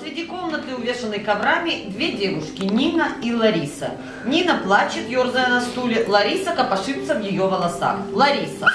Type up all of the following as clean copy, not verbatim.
Посреди комнаты, увешанной коврами, две девушки, Нина и Лариса. Нина плачет, ерзая на стуле. Лариса копошится в ее волосах. Лариса.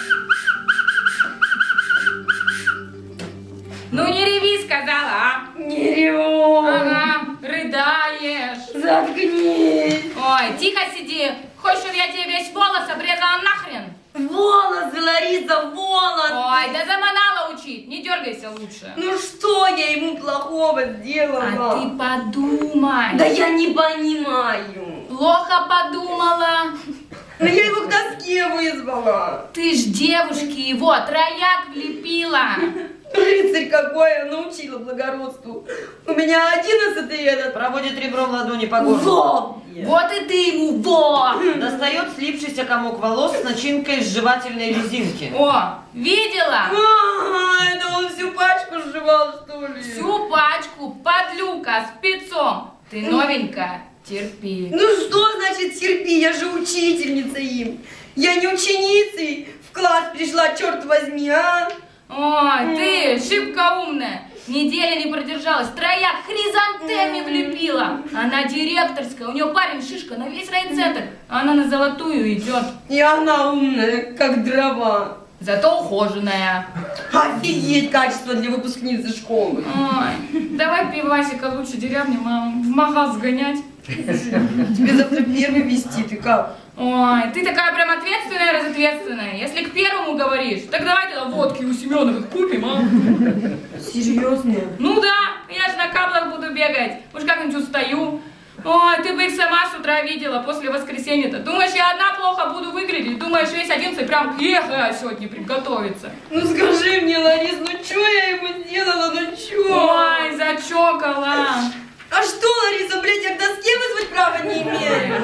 Ну не реви, сказала, а? Не реву. Ага, рыдаешь. Заткнись. Ой, тихо сиди. Хочешь, чтобы я тебе весь волос обрезала нахрен? Волосы, Лариса, волосы. Ой, да заманала учить. Не дергайся лучше. Ну что я ему плохого сделала? А ты подумай. Да я не понимаю. Плохо подумала. Но я его к доске вызвала. Ты ж девушке его трояк влепила. Рыцарь какой, я научила благородству. У меня 11-й этот. Проводит ребром ладони по горлу. Во! Вот и ты ему, во! Достает слипшийся комок волос с начинкой с жевательной резинки. О, видела? Это он всю пачку сживал, что ли? Всю пачку, подлюка, спецом. Ты новенькая, терпи. Ну что значит терпи, я же учительница им. Я не ученицей в класс пришла, черт возьми, а? Ой, ты шибко умная. Недели не продержалась, трояк хризантеми влепила. Она директорская, у нее парень шишка на весь райцентр. А она на золотую идет. И она умная, как дрова. Зато ухоженная. Офигеть, качество для выпускницы школы. Ой, давай пивасика лучше деревни, мам, в магаз сгонять. Тебе завтра первый вести, ты как? Ой, ты такая прям ответственная, разответственная. Если к первому говоришь, так давай тогда водки у Семеновых купим, а? Серьезно? Ну да, я же на каблах буду бегать. Уж как-нибудь устаю. Ой, ты бы их сама с утра видела после воскресенья-то. Думаешь, я одна плохо буду выглядеть? Думаешь, весь 11 прям к ехать сегодня приготовиться? Ну скажи мне, Ларис, ну что я ему сделала, ну что? Ой, зачокала. А что, Лариса, блядь, я к доске вызвать права не имею?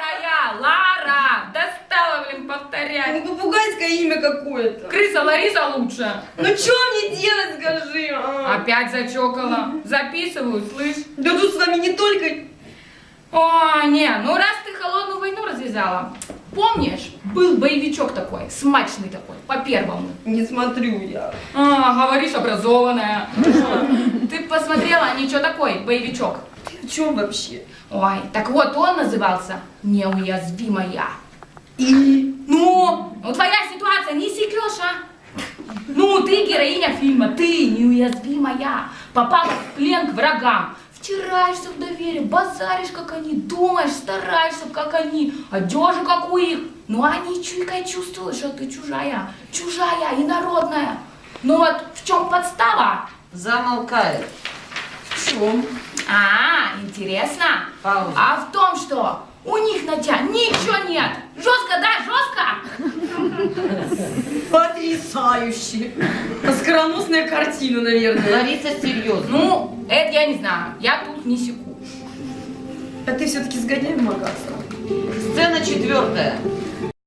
Лара, достала, блин, повторять. Ну, попугайское имя какое-то. Крыса Лариса лучше. Ну что мне делать, скажи? А? Опять зачокала. Записываю, слышь. Да тут с вами не только... О, не, ну раз ты холодную войну развязала, помнишь, был боевичок такой, смачный такой, по первому. Не смотрю я. А, говоришь, образованная. Ты посмотрела, ничего такой, боевичок. Ты о чем вообще? Ой, так вот он назывался «Неуязвимая». И? Ну? Ну твоя ситуация не секешь, а? Ну, ты героиня фильма, ты неуязвимая, попала в плен к врагам. Втираешься в доверие, базаришь, как они, думаешь, стараешься, как они, одежу, как у их. Ну, они чуйкой чувствуют, что ты чужая, инородная. Ну вот, в чем подстава? Замолкает. В чем? А, интересно. Пауза. А в том, что у них на тебя ничего нет. Жестко, да, жестко? Потрясающе. Оскароносная картина, наверное. Лариса серьезно. Ну, это я не знаю, я тут не секу. А ты все-таки сгоняй в магазин. Сцена 4.